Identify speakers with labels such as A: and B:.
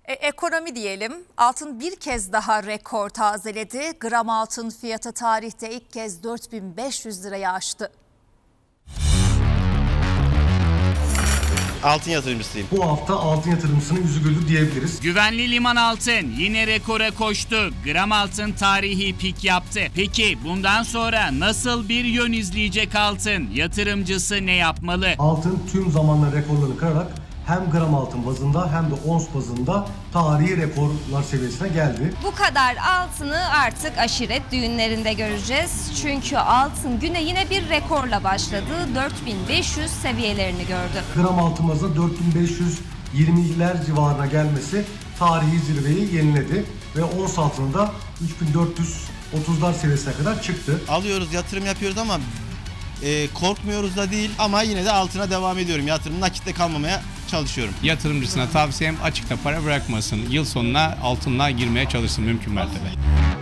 A: Ekonomi diyelim. Altın bir kez daha rekor tazeledi. Gram altın fiyatı tarihte ilk kez 4500 lirayı aştı.
B: Altın yatırımcısıyım.
C: Bu hafta altın yatırımcısının yüzü güldü diyebiliriz.
D: Güvenli liman altın yine rekora koştu. Gram altın tarihi pik yaptı. Peki bundan sonra nasıl bir yön izleyecek altın? Yatırımcısı ne yapmalı?
C: Altın tüm zamanlar rekorlarını kırarak hem gram altın bazında hem de ons bazında tarihi rekorlar seviyesine geldi.
E: Bu kadar altını artık aşiret düğünlerinde göreceğiz. Çünkü altın güne yine bir rekorla başladı. 4500 seviyelerini gördü.
C: Gram altın bazında 4520'ler civarına gelmesi tarihi zirveyi yeniledi ve ons altında 3430'lar seviyesine kadar çıktı.
B: Alıyoruz, yatırım yapıyoruz ama korkmuyoruz da değil, ama yine de altına devam ediyorum. Yatırım nakitte kalmamaya çalışıyorum.
F: Yatırımcısına tavsiyem açıkta para bırakmasın. Yıl sonuna altınla girmeye çalışsın mümkün mertebe.